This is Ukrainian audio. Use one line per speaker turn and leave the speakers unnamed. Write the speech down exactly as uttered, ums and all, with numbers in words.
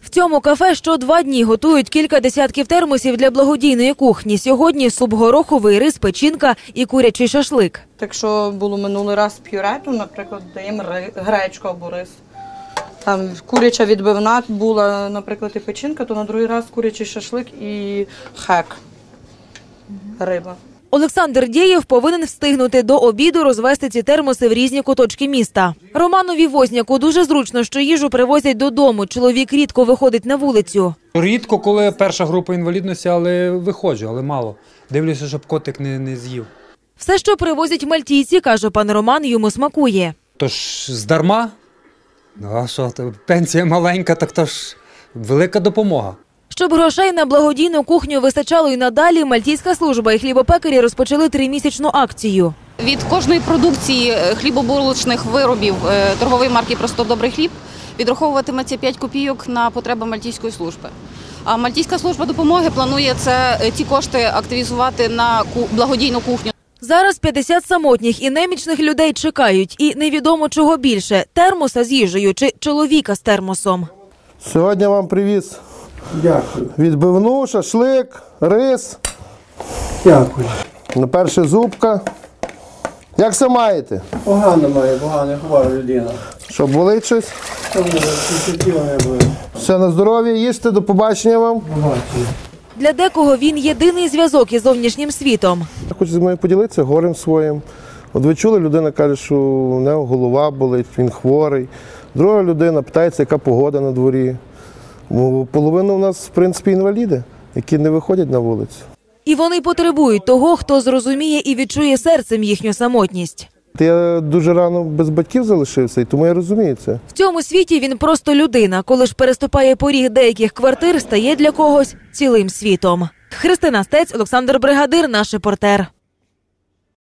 В цьому кафе що два дні готують кілька десятків термосів для благодійної кухні. Сьогодні суп гороховий, рис, печінка і курячий шашлик.
Якщо було минулий раз пюре, то, наприклад, даємо гречку або рис. Там куряча відбивна була, наприклад, і печінка, то на другий раз курячий шашлик і хек, риба.
Олександр Дєєв повинен встигнути до обіду розвести ці термоси в різні куточки міста. Романові Возняку дуже зручно, що їжу привозять додому. Чоловік рідко виходить на вулицю.
Рідко, коли перша група інвалідності, але виходжу, але мало. Дивлюся, щоб котик не, не з'їв.
Все, що привозять мальтійці, каже пан Роман, йому смакує.
Тож здарма? А що, пенсія маленька, так то ж велика допомога.
Щоб грошей на благодійну кухню вистачало і надалі, мальтійська служба і хлібопекарі розпочали тримісячну акцію.
Від кожної продукції хлібобулочних виробів торгової марки «Просто добрий хліб» відраховуватиметься п'ять копійок на потреби мальтійської служби. А мальтійська служба допомоги планує це, ці кошти активізувати на благодійну кухню.
Зараз п'ятдесят самотніх і немічних людей чекають. І невідомо чого більше – термоса з їжею чи чоловіка з термосом.
Сьогодні вам привіз.
Дякую.
Відбивну, шашлик, рис.
Дякую.
На перше зубка. Як все маєте?
Погано має, погано, хвора людина.
Що, болить щось?
Що буде, тіло не буде.
Все на здоров'я, їсти, до побачення вам.
Побачення.
Для декого він єдиний зв'язок із зовнішнім світом.
Я хочу зі мною поділитися горем своїм. От ви чули, людина каже, що у нього голова болить, він хворий. Друга людина питається, яка погода на дворі. Половина у нас, в принципі, інваліди, які не виходять на вулицю.
І вони потребують того, хто зрозуміє і відчує серцем їхню самотність.
Я дуже рано без батьків залишився, і тому я розумію це.
В цьому світі він просто людина. Коли ж переступає поріг деяких квартир, стає для когось цілим світом. Христина Стець, Олександр Бригадир, наш репортер.